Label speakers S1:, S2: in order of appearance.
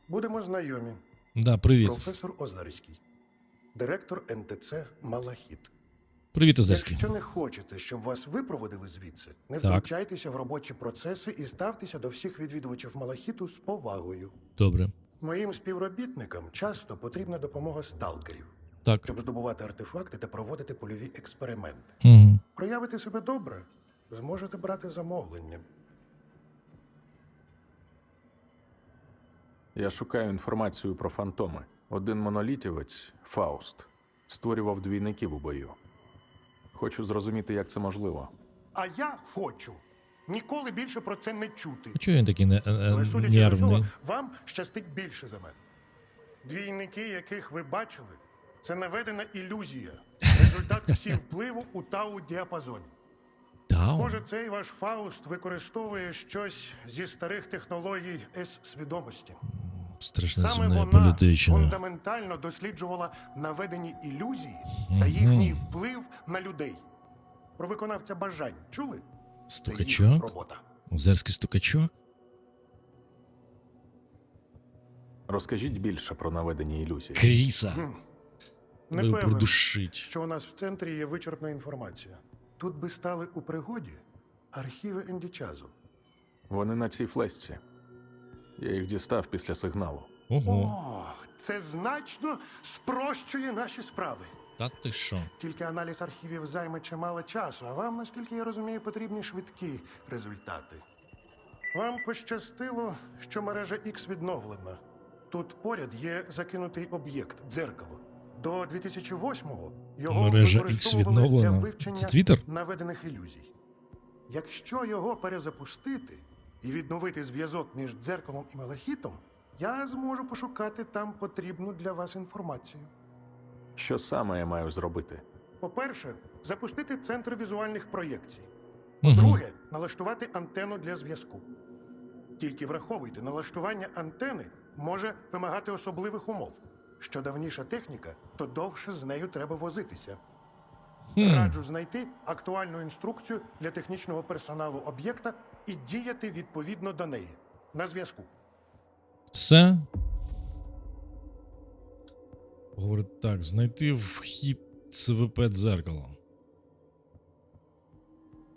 S1: Будемо знайомі.
S2: Да, привіт.
S1: Професор Озарський. Директор НТЦ «Малахіт».
S2: Привіт, Озерський.
S1: Якщо не хочете, щоб вас випроводили звідси, не
S2: Так.
S1: втручайтеся в робочі процеси і ставтеся до всіх відвідувачів Малахіту з повагою.
S2: Добре.
S1: Моїм співробітникам часто потрібна допомога сталкерів,
S2: Так.
S1: щоб здобувати артефакти та проводити польові експерименти.
S2: Угу.
S1: Проявите себе добре, зможете брати замовлення.
S3: Я шукаю інформацію про фантоми. Один монолітівець, Фауст, створював двійників у бою. Хочу зрозуміти, як це можливо.
S1: А я хочу ніколи більше про це не чути.
S2: А чого він такий
S1: Але, судячи з
S2: нервний?
S1: усього, вам щастить більше за мене. Двійники, яких ви бачили, це наведена ілюзія. Результат всі впливу у тау-діапазоні.
S2: Тау?
S1: Може, цей ваш Фауст використовує щось зі старих технологій С-свідомості.
S2: Страшна
S1: Саме
S2: земна
S1: вона
S2: політична.
S1: фундаментально досліджувала наведені ілюзії та їхній вплив на людей. Про виконавця бажань чули? Це їх
S2: Стукачок?
S1: робота.
S2: Озерський стукачок?
S3: Розкажіть більше про наведені ілюзії.
S2: Кріса.
S1: Не
S2: Ви його
S1: певен,
S2: придушить.
S1: що у нас в центрі є вичерпна інформація. Тут би стали у пригоді архіви Ендічазу.
S3: Вони на цій флешці. Я їх дістав після сигналу.
S2: Ого.
S1: О, це значно спрощує наші справи.
S2: Та ти що?
S1: Тільки аналіз архівів займе чимало часу, а вам, наскільки я розумію, потрібні швидкі результати. Вам пощастило, що мережа X відновлена. Тут поряд є закинутий об'єкт – дзеркало. До 2008-го його
S2: Мережа X
S1: використовували для
S2: відновлена?
S1: вивчення
S2: Це Твіттер?
S1: наведених ілюзій. Якщо його перезапустити і відновити зв'язок між дзеркалом і малахітом, я зможу пошукати там потрібну для вас інформацію.
S3: Що саме я маю зробити?
S1: По-перше, запустити центр візуальних проєкцій.
S2: Угу.
S1: Друге, налаштувати антенну для зв'язку. Тільки враховуйте, налаштування антени може вимагати особливих умов. Що давніша техніка, то довше з нею треба возитися. Раджу знайти актуальну інструкцію для технічного персоналу об'єкта і діяти відповідно до неї. На зв'язку.
S2: Все. Говорить так, знайти вхід ЦВП дзеркало.